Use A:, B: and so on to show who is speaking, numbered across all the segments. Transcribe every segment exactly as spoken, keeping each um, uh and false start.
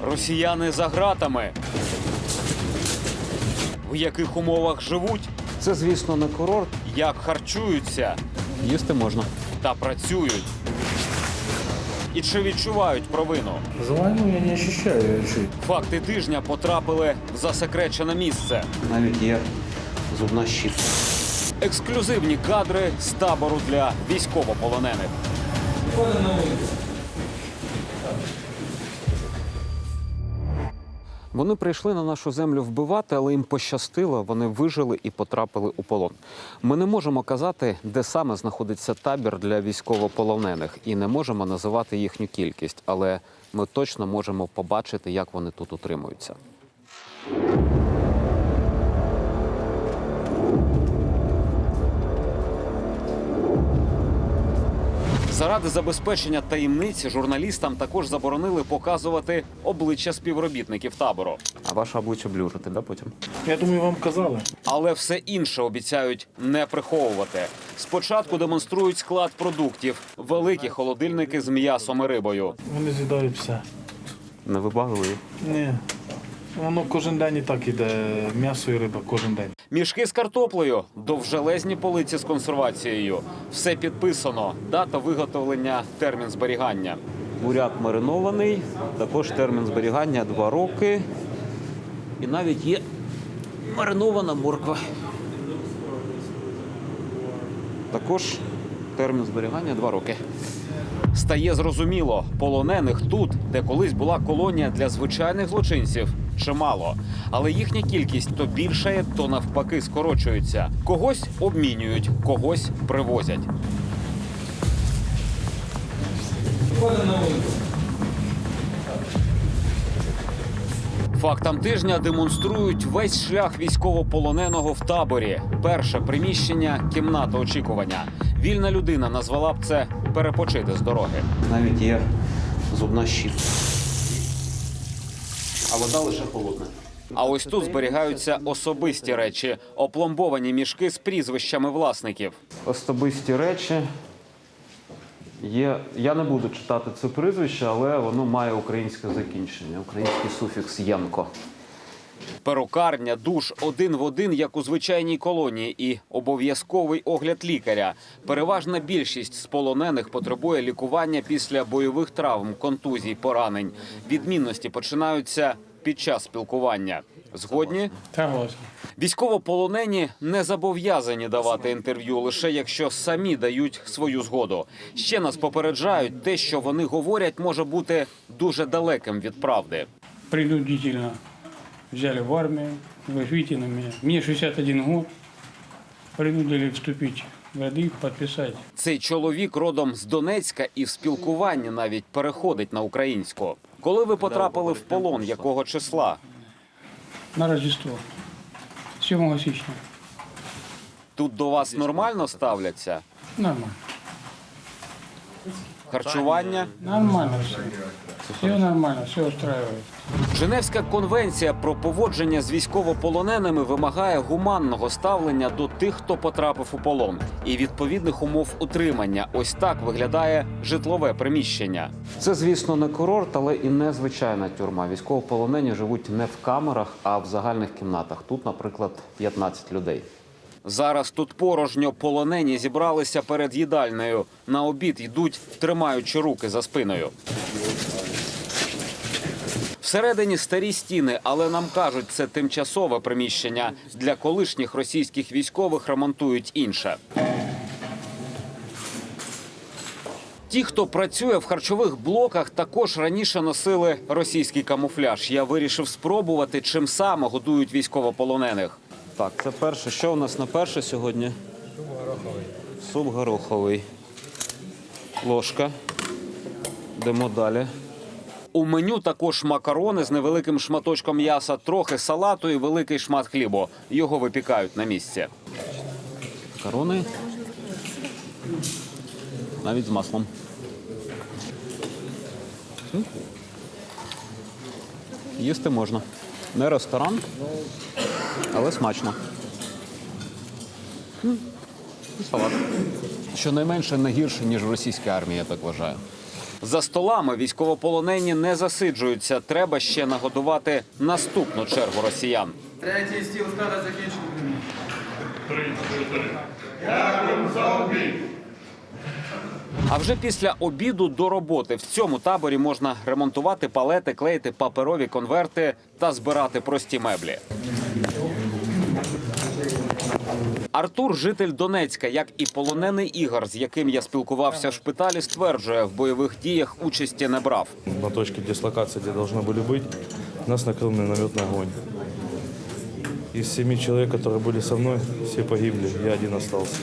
A: Росіяни за ґратами. В яких умовах живуть?
B: Це, звісно, не курорт.
A: Як харчуються?
B: Їсти можна.
A: Та працюють? І чи відчувають провину?
C: За войну я не ощущаю ее.
A: Факти тижня потрапили в засекречене місце.
B: Навіть є зубна щітка.
A: Ексклюзивні кадри з табору для військовополонених.
B: Вони прийшли на нашу землю вбивати, але їм пощастило, вони вижили і потрапили у полон. Ми не можемо казати, де саме знаходиться табір для військовополонених, і не можемо називати їхню кількість, але ми точно можемо побачити, як вони тут утримуються.
A: Заради забезпечення таємниці журналістам також заборонили показувати обличчя співробітників табору.
B: А ваше обличчя блюрити, да, потім?
C: Я думаю, вам казали.
A: Але все інше обіцяють не приховувати. Спочатку демонструють склад продуктів – великі холодильники з м'ясом і рибою.
C: Вони з'їдають все.
B: Не вибагли.
C: Ні. Воно кожен день і так іде. М'ясо і риба кожен день.
A: Мішки з картоплею, довжелезні полиці з консервацією. Все підписано. Дата виготовлення, термін зберігання.
B: Буряк маринований, також термін зберігання два роки. І навіть є маринована морква. Також термін зберігання два роки.
A: Стає зрозуміло, полонених тут, де колись була колонія для звичайних злочинців, чимало. Але їхня кількість то більшає, то навпаки скорочується. Когось обмінюють, когось привозять. Фактам тижня демонструють весь шлях військовополоненого в таборі. Перше приміщення – кімната очікування. Вільна людина назвала б це перепочити з дороги.
B: Навіть є зубна щітка. А вода лише холодна.
A: А ось тут зберігаються особисті речі – опломбовані мішки з прізвищами власників.
B: Особисті речі. Є, я не буду читати це прізвище, але воно має українське закінчення, український суфікс «янко».
A: Перукарня, душ один в один, як у звичайній колонії, і обов'язковий огляд лікаря. Переважна більшість з полонених потребує лікування після бойових травм, контузій, поранень. Відмінності починаються під час спілкування. Згодні?
C: Согласен.
A: Військовополонені не зобов'язані давати інтерв'ю, лише якщо самі дають свою згоду. Ще нас попереджають, те, що вони говорять, може бути дуже далеким від правди.
D: Принудительно взяли в армию, вы же видите на меня. Мне шестьдесят один год, принудили вступить в ряды, подписать.
A: Цей чоловік родом з Донецька і в спілкуванні навіть переходить на українську. Коли ви потрапили в полон, якого числа?
D: На Рождество, сьомого січня.
A: Тут до вас нормально ставляться?
D: Нормально.
A: Харчування?
D: Нормально все. Все нормально, все устраивает.
A: Женевська конвенція про поводження з військовополоненими вимагає гуманного ставлення до тих, хто потрапив у полон, і відповідних умов утримання. Ось так виглядає житлове приміщення.
B: Це, звісно, не курорт, але і не звичайна тюрма. Військовополонені живуть не в камерах, а в загальних кімнатах. Тут, наприклад, п'ятнадцять людей.
A: Зараз тут порожньо, полонені зібралися перед їдальнею. На обід йдуть, тримаючи руки за спиною. Всередині старі стіни, але нам кажуть, це тимчасове приміщення. Для колишніх російських військових ремонтують інше. Ті, хто працює в харчових блоках, також раніше носили російський камуфляж. Я вирішив спробувати, чим саме годують військовополонених.
B: Так, це перше. Що у нас на перше сьогодні? Суп гороховий. Суп гороховий. Ложка. Йдемо далі.
A: У меню також макарони з невеликим шматочком м'яса, трохи салату і великий шмат хлібу. Його випікають на місці.
B: Макарони. Навіть з маслом. Їсти можна. Не ресторан, але смачно. І салат. Щонайменше не гірше, ніж в російській армії, я так вважаю.
A: За столами військовополонені не засиджуються. Треба ще нагодувати наступну чергу росіян.
E: Третій стіл складу закінчено.
A: А вже після обіду до роботи. В цьому таборі можна ремонтувати палети, клеїти паперові конверти та збирати прості меблі. Артур – житель Донецька, як і полонений Ігор, з яким я спілкувався в шпиталі, стверджує, в бойових діях участі не брав.
F: На точке дислокации, где должны были быть, нас накрыл минометный огонь. Из семи человек, которые были со мной, все погибли, я один остался.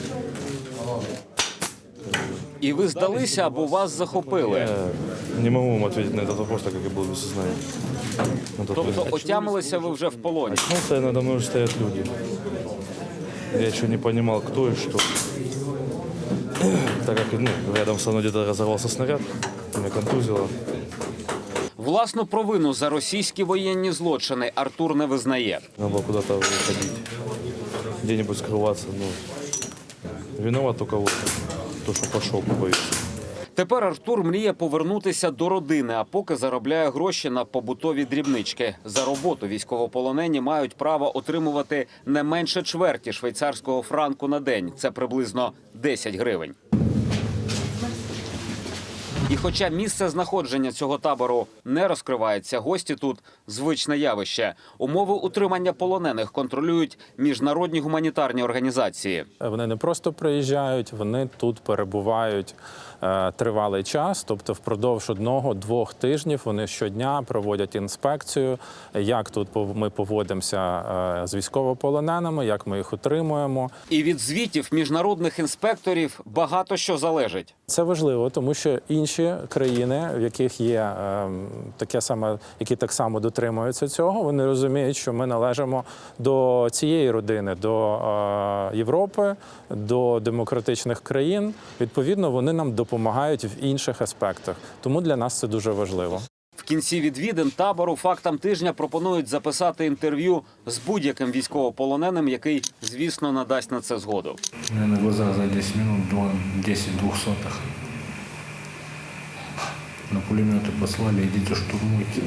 A: І ви здалися або вас захопили.
F: Я не могу вам ответить на этот вопрос, так как я был без сознания. На тот
A: Тобто
F: момент.
A: отямилися ви вже в полоні.
F: Очнулся, и надо мной уже стоят люди. Я еще не понимал, кто и что. Так как ну, рядом со мной где-то разорвался снаряд, меня контузило.
A: Власну провину за російські воєнні злочини Артур не визнає.
F: Надо было куда-то уходить, где-нибудь скрываться. Ну, виноват только вот то, что пошел по боевцу.
A: Тепер Артур мріє повернутися до родини, а поки заробляє гроші на побутові дрібнички. За роботу військовополонені мають право отримувати не менше чверті швейцарського франку на день. Це приблизно десять гривень. І хоча місце знаходження цього табору не розкривається, гості тут – звичне явище. Умови утримання полонених контролюють міжнародні гуманітарні організації.
G: Вони не просто приїжджають, вони тут перебувають е, тривалий час, тобто впродовж одного-двох тижнів вони щодня проводять інспекцію, як тут пов- ми поводимося е, з військовополоненими, як ми їх утримуємо.
A: І від звітів міжнародних інспекторів багато що залежить.
G: Це важливо, тому що інші країни, в яких є е, таке саме, які так само дотримуються цього, вони розуміють, що ми належимо до цієї родини, до е, Європи, до демократичних країн. Відповідно, вони нам допомагають в інших аспектах. Тому для нас це дуже важливо.
A: В кінці відвідин табору «Фактам тижня» пропонують записати інтерв'ю з будь-яким військовополоненим, який, звісно, надасть на це згоду.
H: У меня на глазах за десять минут два- десять двухсотых. На пулеметы послали, идите штурмуйте.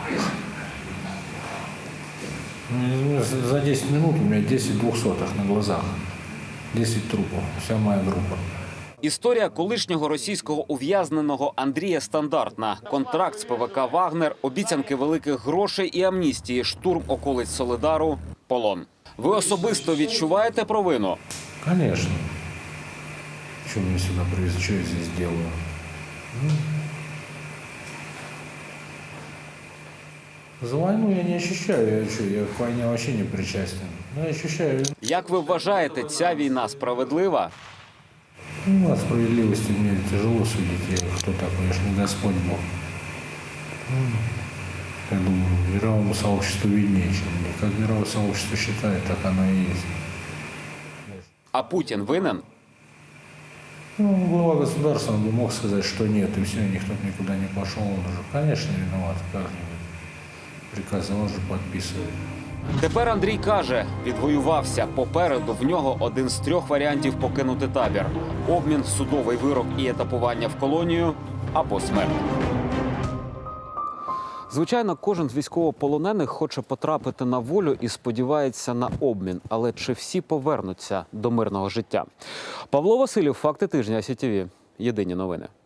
H: Ну, за- За десять минут у меня десять двухсотых на глазах. десять трупов, вся моя группа.
A: Історія колишнього російського ув'язненого Андрія стандартна. Контракт з ПВК «Вагнер», обіцянки великих грошей і амністії, штурм околиць Солидару, полон. Ви особисто відчуваєте провину?
H: Конечно. Что меня сюда привезли, что я здесь делаю? Ну, За войну я не ощущаю, я, что, я к войне вообще не причастен. Но я ощущаю.
A: Як ви вважаєте, ця війна справедлива?
H: Ну, от справедливости мне тяжело судить, я кто такой, я ж не Господь Бог. Ну, я думаю, мировому сообществу виднее, чем мне. Как мировое сообщество считает, так оно и есть.
A: А Путін винен?
H: Ну, глава государства, он бы мог сказать, что нет, и все, никто никуда не пошел. Он уже, конечно, виноват, как-нибудь. Приказы он же подписывает.
A: Тепер Андрій каже, відвоювався. Попереду в нього один з трьох варіантів покинути табір. Обмін, судовий вирок і етапування в колонію або смерть.
B: Звичайно, кожен з військовополонених хоче потрапити на волю і сподівається на обмін. Але чи всі повернуться до мирного життя? Павло Васильєв, «Факти тижня», СІТВ. Єдині новини.